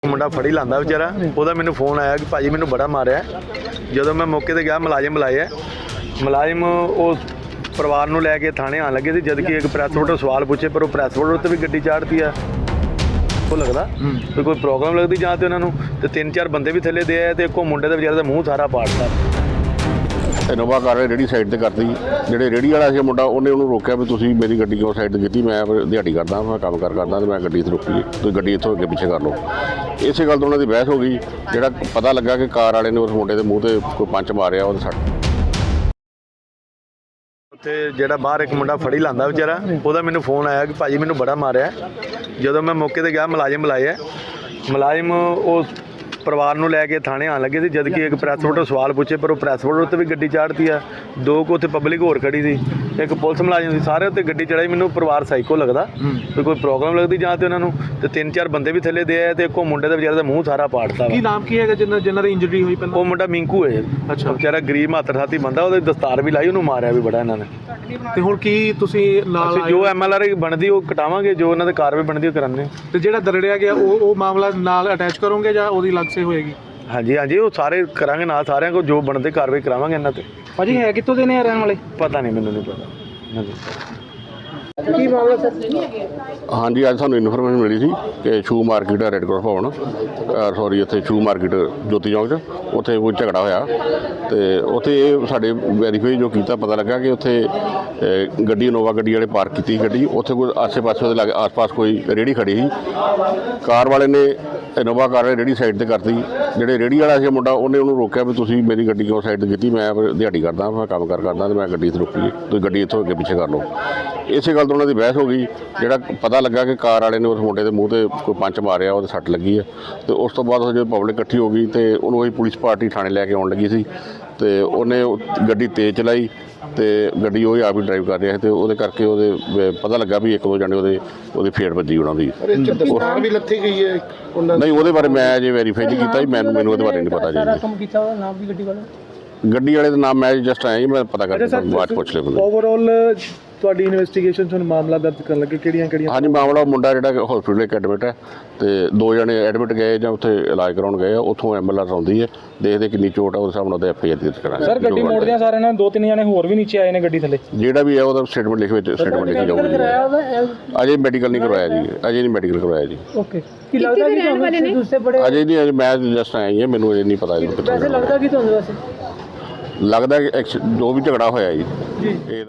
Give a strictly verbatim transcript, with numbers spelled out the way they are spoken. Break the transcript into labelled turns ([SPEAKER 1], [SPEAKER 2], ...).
[SPEAKER 1] ਮੁੰਡਾ ਫੜੀ ਲਾਂਦਾ ਵਿਚਾਰਾ ਉਹਦਾ ਮੈਨੂੰ ਫੋਨ ਆਇਆ ਕਿ ਭਾਜੀ ਮੈਨੂੰ ਬੜਾ ਮਾਰਿਆ। ਜਦੋਂ ਮੈਂ ਮੌਕੇ ਤੇ ਗਿਆ ਮੁਲਾਜ਼ਮ ਬੁਲਾਇਆ, ਮੁਲਾਜ਼ਮ ਉਸ ਪਰਿਵਾਰ ਨੂੰ ਲੈ ਕੇ ਥਾਣੇ ਆਉਣ ਲੱਗੇ ਸੀ, ਜਦ ਕਿ ਇੱਕ ਪ੍ਰੈਸ ਵੋਟਰ ਸਵਾਲ ਪੁੱਛੇ ਪਰ ਉਹ ਪ੍ਰੈਸ ਵੋਟਰ ਉੱਤੇ ਵੀ ਗੱਡੀ ਚਾੜਤੀ ਆ। ਉਹ ਲੱਗਦਾ ਵੀ ਕੋਈ ਪ੍ਰੋਬਲਮ ਲੱਗਦੀ ਜਾਂ ਤੇ ਉਹਨਾਂ ਨੂੰ, ਤੇ ਤਿੰਨ ਚਾਰ ਬੰਦੇ ਵੀ ਥੱਲੇ ਦੇ ਆਏ ਤੇ ਇੱਕੋ ਮੁੰਡੇ ਦਾ ਵਿਚਾਰੇ ਦਾ ਮੂੰਹ ਸਾਰਾ ਪਾੜਤਾ।
[SPEAKER 2] ਇਨੋਵਾ ਕਾਰ ਰੇਹੜੀ ਸਾਈਡ ਤੇ ਕਰਤੀ, ਜਿਹੜੇ ਰੇਹੜੀ ਵਾਲਾ ਸੀ ਮੁੰਡਾ ਉਹਨੇ ਉਹਨੂੰ ਰੋਕਿਆ ਵੀ ਤੁਸੀਂ ਮੇਰੀ ਗੱਡੀ ਕਿਉਂ ਸਾਈਡ ਤੇ ਕੀਤੀ, ਮੈਂ ਦਿਹਾੜੀ ਕਰਦਾ, ਮੈਂ ਕੰਮ ਕਾਰ ਕਰਦਾ ਤੇ ਮੈਂ ਗੱਡੀ ਇੱਥੇ ਰੋਕੀ, ਤੁਸੀਂ ਗੱਡੀ ਇੱਥੋਂ ਅੱਗੇ ਪਿੱਛੇ ਕਰ ਲਓ। ਇਸੇ ਗੱਲ ਤੋਂ ਉਹਨਾਂ ਦੀ ਬਹਿਸ ਹੋ ਗਈ। ਜਿਹੜਾ ਪਤਾ ਲੱਗਾ ਕਿ ਕਾਰ ਵਾਲੇ ਨੇ ਉਸ ਮੁੰਡੇ ਦੇ ਮੂੰਹ ਤੇ ਕੋਈ ਪੰਚ ਮਾਰਿਆ, ਉਹਦੇ ਸੱਟ।
[SPEAKER 1] ਉੱਥੇ ਜਿਹੜਾ ਬਾਹਰ ਇੱਕ ਮੁੰਡਾ ਫੜੀ ਲਾਂਦਾ ਵਿਚਾਰਾ, ਉਹਦਾ ਮੈਨੂੰ ਫੋਨ ਆਇਆ ਕਿ ਭਾਜੀ ਮੈਨੂੰ ਬੜਾ ਮਾਰਿਆ। ਜਦੋਂ ਮੈਂ ਮੌਕੇ ਤੇ ਗਿਆ ਮੁਲਾਜ਼ਮ ਬੁਲਾਇਆ, ਮੁਲਾਜ਼ਮ ਉਸ ਪਰਿਵਾਰ ਨੂੰ ਲੈ ਕੇ ਥਾਣੇ ਆਉਣ ਲੱਗੇ ਸੀ, ਜਦ ਕਿ ਇੱਕ ਪ੍ਰੈਸ ਵੋਟਰ ਸਵਾਲ ਪੁੱਛੇ ਪਰ ਉਹ ਪ੍ਰੈਸ ਵੋਟਰ ਉੱਤੇ ਵੀ ਗੱਡੀ ਚਾੜਤੀ ਆ। ਦੋ ਕੁ ਉੱਥੇ ਪਬਲਿਕ ਹੋਰ ਖੜੀ ਸੀ, ਇੱਕ ਪੁਲਿਸ ਮੁਲਾਜ਼ਮ ਸੀ, ਸਾਰੇ ਉੱਤੇ ਗੱਡੀ ਚੜਾਈ। ਮੈਨੂੰ ਪਰਿਵਾਰ ਸਾਈਕੋ ਲੱਗਦਾ ਵੀ ਕੋਈ ਪ੍ਰੋਬਲਮ ਲੱਗਦੀ ਜਾਂ ਤੇ ਉਹਨਾਂ ਨੂੰ, ਤੇ ਤਿੰਨ ਚਾਰ ਬੰਦੇ ਵੀ ਥੱਲੇ ਦੇ ਆਏ ਤੇ ਇੱਕੋ ਮੁੰਡੇ ਦਾ ਵਿਚਾਰੇ ਦਾ ਮੂੰਹ ਸਾਰਾ ਪਾੜਤਾ।
[SPEAKER 3] ਕੀ ਨਾਮ ਕੀ ਹੈਗਾ ਜਿਨ੍ਹਾਂ ਜਿਨ੍ਹਾਂ ਦੀ ਇੰਜਰੀ ਹੋਈ ਪਹਿਲਾਂ?
[SPEAKER 1] ਉਹ ਮੁੰਡਾ ਮਿੰਕੂ ਹੈ। ਅੱਛਾ, ਵਿਚਾਰਾ ਗਰੀਬ ਮਾਤਰ ਸਾਥੀ ਬੰਦਾ, ਉਹਦੇ ਦਸਤਾਰ ਵੀ ਲਾਈ, ਉਹਨੂੰ ਮਾਰਿਆ ਵੀ ਬੜਾ ਇਹਨਾਂ ਨੇ।
[SPEAKER 3] ਤੇ ਹੁਣ ਕੀ ਤੁਸੀਂ ਨਾਲ
[SPEAKER 1] ਜੋ ਐਮ ਐਲ ਆਰ ਬਣਦੀ ਉਹ ਕਟਾਵਾਂਗੇ, ਜੋ ਉਹਨਾਂ ਦੇ ਕਾਰਵਾਈ ਬਣਦੀ ਉਹ ਕਰਾਂਗੇ।
[SPEAKER 3] ਤੇ ਜਿਹੜਾ ਦਰੜਿਆ ਗਿਆ ਉਹ ਉਹ ਮਾਮਲਾ ਨਾਲ ਅਟੈਚ ਕਰੋਗੇ ਜਾਂ ਉਹਦੀ ਅਲੱਗ ਸੇ ਹੋਏਗੀ?
[SPEAKER 1] ਹਾਂਜੀ ਹਾਂਜੀ, ਉਹ ਸਾਰੇ ਕਰਾਂਗੇ ਨਾਲ, ਸਾਰਿਆਂ ਕੋਲ ਜੋ ਬਣਦੇ ਕਾਰਵਾਈ ਕਰਾਵਾਂਗੇ ਇਹਨਾਂ ਤੇ।
[SPEAKER 3] ਭਾਜੀ ਹੈ ਕਿੱਥੋਂ ਦੇ ਨੇ ਰਹਿਣ ਵਾਲੇ?
[SPEAKER 1] ਪਤਾ ਨਹੀਂ, ਮੈਨੂੰ ਨਹੀਂ ਪਤਾ।
[SPEAKER 3] ਕੀ ਮਾਮਲਾ ਸਰ?
[SPEAKER 2] ਹਾਂਜੀ, ਅੱਜ ਸਾਨੂੰ ਇਨਫੋਰਮੇਸ਼ਨ ਮਿਲੀ ਸੀ ਕਿ ਸ਼ੂ ਮਾਰਕੀਟ ਰੈੱਡ ਕ੍ਰਾਸ ਭਵਨ, ਸੌਰੀ ਇੱਥੇ ਸ਼ੂ ਮਾਰਕੀਟ ਜੋਤੀ ਚੌਂਕ 'ਚ ਉੱਥੇ ਕੋਈ ਝਗੜਾ ਹੋਇਆ। ਤੇ ਉੱਥੇ ਇਹ ਸਾਡੇ ਵੈਰੀਫਾਈ ਜੋ ਕੀਤਾ, ਪਤਾ ਲੱਗਾ ਕਿ ਉੱਥੇ ਗੱਡੀ ਇਨੋਵਾ ਗੱਡੀ ਵਾਲੇ ਪਾਰਕ ਕੀਤੀ ਗੱਡੀ, ਉੱਥੇ ਕੋਈ ਆਸੇ ਪਾਸੇ ਉਹਦੇ ਲਾਗੇ ਆਸ-ਪਾਸ ਕੋਈ ਰੇਹੜੀ ਖੜੀ ਸੀ। ਕਾਰ ਵਾਲੇ ਨੇ ਇਨੋਵਾ ਕਾਰ ਰੇਹੜੀ ਸਾਈਡ ਤੇ ਕਰਤੀ, ਜਿਹੜੇ ਰੇਹੜੀ ਵਾਲਾ ਸੀ ਮੁੰਡਾ ਉਹਨੇ ਉਹਨੂੰ ਰੋਕਿਆ ਵੀ ਤੁਸੀਂ ਮੇਰੀ ਗੱਡੀ ਕਿਉਂ ਸਾਈਡ ਤੇ ਕੀਤੀ, ਮੈਂ ਦਿਹਾੜੀ ਕਰਦਾ, ਮੈਂ ਕੰਮ ਕਾਰ ਕਰਦਾ ਤੇ ਮੈਂ ਗੱਡੀ ਇੱਥੇ ਰੋਕੀ, ਤੁਸੀਂ ਗੱਡੀ ਇੱਥੋਂ ਅੱਗੇ ਪਿੱਛੇ ਕਰ ਲਓ। ਇਸੇ ਗੱਲ ਤੋਂ ਉਹਨਾਂ ਦੀ ਬਹਿਸ ਹੋ ਗਈ। ਜਿਹੜਾ ਪਤਾ ਲੱਗਾ ਕਿ ਕਾਰ ਵਾਲੇ ਨੇ ਉਸ ਮੁੰਡੇ ਦੇ ਮੂੰਹ ਤੇ ਕੋਈ ਪੰਚ ਮਾਰਿਆ, ਉਹਦੇ ਸੱਟ ਲੱਗੀ ਹੈ। ਤੇ ਉਸ ਤੋਂ ਬਾਅਦ ਜਦੋਂ ਪਬਲਿਕ ਇਕੱਠੀ ਹੋ ਗਈ ਤੇ ਉਹਨੂੰ ਅਸੀਂ ਪੁਲਿਸ ਪਾਰਟੀ ਥਾਣੇ ਲੈ ਕੇ ਆਉਣ ਲੱਗੀ ਸੀ, ਤੇ ਉਹਨੇ ਗੱਡੀ ਤੇਜ਼ ਚਲਾਈ ਤੇ ਗੱਡੀ ਉਹ ਆਪ ਹੀ ਡਰਾਈਵ ਕਰ ਰਿਹਾ ਸੀ, ਤੇ ਉਹਦੇ ਕਰਕੇ ਉਹਦੇ ਪਤਾ ਲੱਗਾ ਵੀ ਇੱਕ ਦੋ ਜਣੇ ਉਹਦੇ ਉਹਦੀ ਫੇਟ ਵੱਜੀ ਉਹਨਾਂ ਦੀ।
[SPEAKER 3] ਵੀ ਲੱਥੀ ਗਈ ਹੈ
[SPEAKER 2] ਨਹੀਂ, ਉਹਦੇ ਬਾਰੇ ਮੈਂ ਅਜੇ ਵੈਰੀਫਾਈ ਨਹੀਂ ਕੀਤਾ ਜੀ, ਮੈਨੂੰ ਮੈਨੂੰ ਉਹਦੇ ਬਾਰੇ ਨਹੀਂ ਪਤਾ ਜੀ।
[SPEAKER 3] ਕੰਮ ਕੀਤਾ ਉਹਦਾ ਨਾਮ ਵੀ ਗੱਡੀ ਵਾਲਾ?
[SPEAKER 2] ਗੱਡੀ ਵਾਲੇ ਦਾ ਨਾਮ ਮੈਂ ਜਸਟ ਆਇਆ ਜੀ, ਮੈਂ ਪਤਾ ਕਰਕੇ ਬਾਅਦ ਪੁੱਛ ਲਿਆ ਬੰਦੇ।
[SPEAKER 3] ਓਵਰਆਲ ਤੁਹਾਡੀ ਇਨਵੈਸਟੀਗੇਸ਼ਨ 'ਚ ਹੁਣ ਮਾਮਲਾ ਦਰਜ ਕਰਨ ਲੱਗੇ, ਕਿਹੜੀਆਂ ਕਿਹੜੀਆਂ?
[SPEAKER 2] ਹਾਂਜੀ, ਮਾਮਲਾ ਮੁੰਡਾ ਜਿਹੜਾ ਹਸਪੀਟਲ ਇੱਕ ਐਡਮਿਟ ਹੈ, ਤੇ ਦੋ ਜਣੇ ਐਡਮਿਟ ਗਏ ਜਾਂ ਉੱਥੇ ਇਲਾਜ ਕਰਾਉਣ ਗਏ ਆ, ਉੱਥੋਂ ਐਂਬੂਲੈਂਸ ਆਉਂਦੀ ਹੈ, ਦੇਖਦੇ ਕਿੰਨੀ ਚੋਟ ਆ ਉਸ ਹਿਸਾਬ ਨਾਲ ਉਹਦੇ ਐਫ ਆਈ ਆਰ ਦਰਜ ਕਰਾਂਗੇ।
[SPEAKER 3] ਸਰ ਗੱਡੀ ਮੋੜਦਿਆਂ ਸਾਰਿਆਂ ਨਾਲ ਦੋ ਤਿੰਨ ਜਣੇ ਹੋਰ ਵੀ ਨੀਚੇ ਆਏ ਨੇ ਗੱਡੀ ਥੱਲੇ,
[SPEAKER 2] ਜਿਹੜਾ ਵੀ ਹੈ ਉਹਦਾ ਸਟੇਟਮੈਂਟ ਲਿਖ ਵਿੱਚ ਸਟੇਟਮੈਂਟ ਲਿਖੀ ਜਾਊਗੀ। ਅਜੇ ਮੈਡੀਕਲ ਨਹੀਂ ਕਰਵਾਇਆ ਜੀ, ਅਜੇ ਨਹੀਂ ਮੈਡੀਕਲ ਕਰਵਾਇਆ ਜੀ।
[SPEAKER 3] ਓਕੇ, ਕੀ ਲੱਗਦਾ ਕਿ ਤੁਹਾਨੂੰ ਦੂਸਰੇ ਬੜੇ
[SPEAKER 2] ਅਜੇ ਨਹੀਂ, ਅਜੇ ਮੈਂ ਜਸਟ ਆਇਆ ਹੀ ਹਾਂ, ਮੈਨੂੰ ਅਜੇ ਨਹੀਂ ਪਤਾ ਇਹਨੂੰ ਕਿੱਥੋਂ
[SPEAKER 3] ਵੈਸੇ ਲੱਗਦਾ ਕਿ ਤੁਹਾਨੂੰ ਵੈਸੇ
[SPEAKER 2] ਲੱਗਦਾ ਕਿ ਜੋ ਵੀ ਝਗੜਾ ਹੋਇਆ ਜੀ।
[SPEAKER 3] ਜੀ